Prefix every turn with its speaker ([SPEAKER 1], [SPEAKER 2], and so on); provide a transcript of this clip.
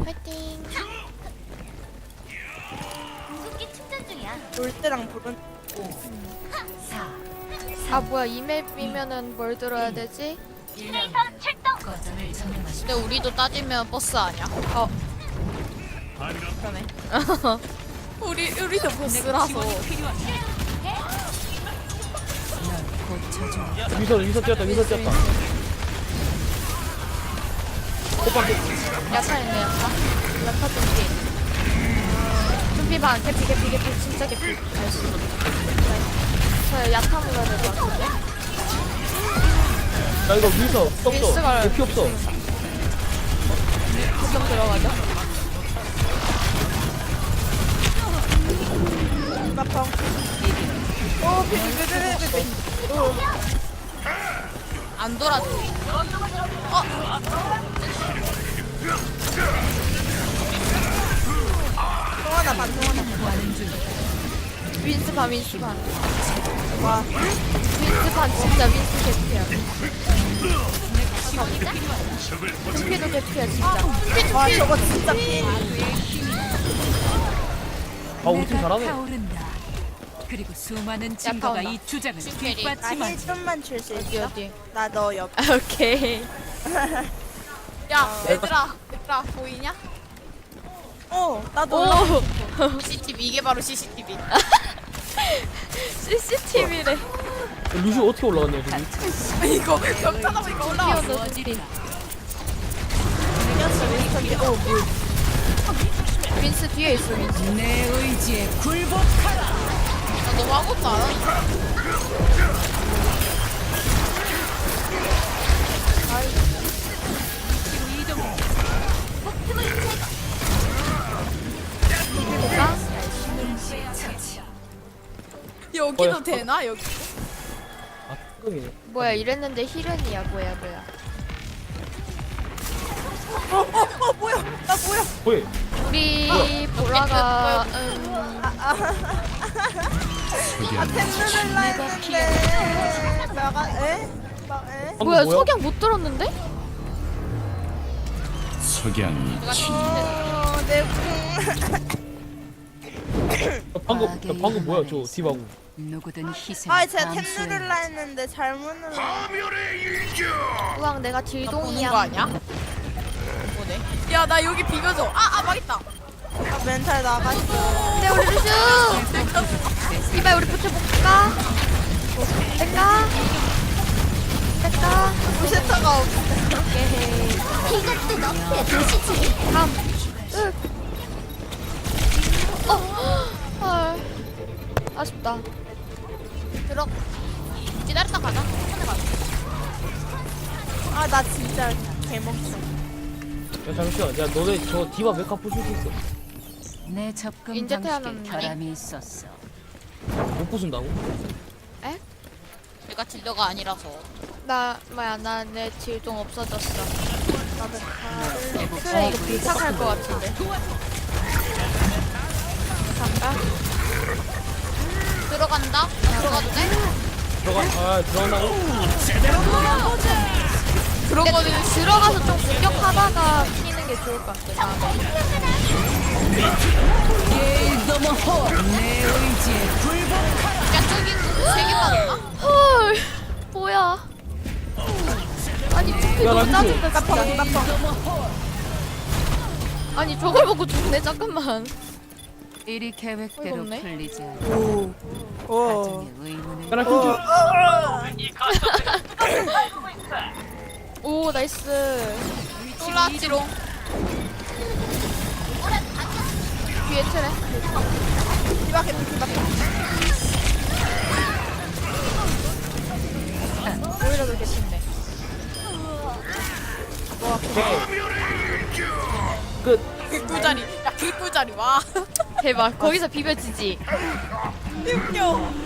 [SPEAKER 1] 파이팅.
[SPEAKER 2] 궁극기 충전 중이야.
[SPEAKER 3] 놀 때랑 부른.
[SPEAKER 1] 아 뭐야 이 맵이면은 뭘 들어야 되지?
[SPEAKER 2] 시뮬레이터 출동.
[SPEAKER 4] 근데 우리도 따지면 버스 아니야?
[SPEAKER 1] 그러네.
[SPEAKER 4] 우리도 버스라서.
[SPEAKER 5] 위서 뛰었다. 호빵
[SPEAKER 1] 야타 있네 야타. 야타 준비. 준비 반 개피 진짜 개피. 나이스. 저 야타 먹어야 될 것 같은데.
[SPEAKER 5] 나 이거 위서 없어.
[SPEAKER 1] 윈스가-
[SPEAKER 5] 피 없어.
[SPEAKER 1] 구경 들어가죠.
[SPEAKER 3] 나펑. 오, 비비비비비비.
[SPEAKER 4] 안 돌아줘.
[SPEAKER 3] 통하나 반, 통하나.
[SPEAKER 1] 윈스 반 윈스 반.
[SPEAKER 3] 와,
[SPEAKER 1] 윈스 반 진짜 윈스 개피야. 준비도 개피야 진짜.
[SPEAKER 3] 와, 저거 진짜 피.
[SPEAKER 5] 아 우리 팀 잘하네.
[SPEAKER 6] 타오른다. 그리고 수많은 증거가
[SPEAKER 1] 온다.
[SPEAKER 6] 이 주장을
[SPEAKER 4] 캐리.
[SPEAKER 3] 나 힐
[SPEAKER 6] 뒷받침하지.
[SPEAKER 3] 좀만 줄 수
[SPEAKER 1] 어디
[SPEAKER 3] 있어?
[SPEAKER 1] 어디.
[SPEAKER 3] 나 너 옆.
[SPEAKER 1] 오케이.
[SPEAKER 4] 야, 얘들아 보이냐?
[SPEAKER 3] 나도.
[SPEAKER 1] 오.
[SPEAKER 4] CCTV 이게 바로 CCTV.
[SPEAKER 1] CCTV래.
[SPEAKER 5] 루시 어떻게 올라갔냐 지금?
[SPEAKER 4] 이거 벽타다 보니까 올라왔어.
[SPEAKER 1] 피어서 준비. 윈스 뒤에 있어 윈스.
[SPEAKER 6] 내 의지에 굴복하라.
[SPEAKER 4] 나 너무 아무것도 안 하니까.
[SPEAKER 6] 뒤로 이동해.
[SPEAKER 1] 볼까?
[SPEAKER 4] 여기도 되나 여기?
[SPEAKER 5] 아 끄이네.
[SPEAKER 1] 뭐야 이랬는데 힐은이야 뭐야.
[SPEAKER 3] 뭐야? 나 뭐야?
[SPEAKER 5] 뭐해?
[SPEAKER 1] 우리 보라가
[SPEAKER 3] 템들을 했는데. 나가, 에? 막, 에?
[SPEAKER 5] 방금
[SPEAKER 1] 뭐야 석양 못 들었는데?
[SPEAKER 7] 석양이
[SPEAKER 3] 내 궁.
[SPEAKER 5] 방금 뭐야 저 디바고.
[SPEAKER 6] 누구든 희생.
[SPEAKER 3] 아, 제가 템 누를라 했는데 잘못 눌러.
[SPEAKER 1] 우왕 내가
[SPEAKER 4] 보는
[SPEAKER 1] 딜동이야.
[SPEAKER 4] 거 아니야? 뭐네? 야, 나 여기 비벼줘. 망했다.
[SPEAKER 3] 아, 멘탈 나갔어.
[SPEAKER 1] 네 우리 루슈. 이발 우리 붙여볼까? 될까?
[SPEAKER 3] 부시터가 없어.
[SPEAKER 1] 오케이.
[SPEAKER 2] 이것도 너프의 도시지.
[SPEAKER 1] 헐. 아쉽다.
[SPEAKER 4] 기다렸다 가자. 천천히 가자.
[SPEAKER 3] 아, 나 진짜 개멍청.
[SPEAKER 5] 야 잠시만. 야 너네 저 디바 메카 부술 수 있어?
[SPEAKER 6] 내 접근
[SPEAKER 1] 인제
[SPEAKER 6] 방식에
[SPEAKER 1] 태어났는데.
[SPEAKER 6] 결함이 있었어.
[SPEAKER 5] 못 부순다고?
[SPEAKER 4] 내가 딜러가 아니라서.
[SPEAKER 1] 나 내 딜동 없어졌어.
[SPEAKER 3] 나도 다.
[SPEAKER 1] 그래 이거 불착할 것 같은데. 잠깐.
[SPEAKER 4] 들어간다? 들어가도 돼?
[SPEAKER 5] 들어간다고?
[SPEAKER 1] 그런 거는 들어가서 좀 공격하다가 피는 게 좋을 것 같아. 다음에.
[SPEAKER 6] 내 의지에 굴복하라.
[SPEAKER 4] 야, 저기 3개 맞았나?
[SPEAKER 1] 헐. 뭐야? 아니 투피
[SPEAKER 5] 야,
[SPEAKER 1] 너무
[SPEAKER 5] 나
[SPEAKER 1] 짜증나 진짜. 아니 저걸 보고 죽네 잠깐만.
[SPEAKER 6] 일이 계획대로
[SPEAKER 1] 어이가 없네.
[SPEAKER 6] 풀리지 않아.
[SPEAKER 3] 오.
[SPEAKER 6] 가정의 의문을
[SPEAKER 5] 야나 킹
[SPEAKER 1] 오 나이스.
[SPEAKER 4] 올라왔지롱.
[SPEAKER 1] 뒤에 트레. 오히려 그렇게 쉽네.
[SPEAKER 5] 끝.
[SPEAKER 4] 꿀꿀자리. 야, 꿀꿀자리. 와.
[SPEAKER 1] 대박. 거기서 비벼지지.
[SPEAKER 3] 웃겨.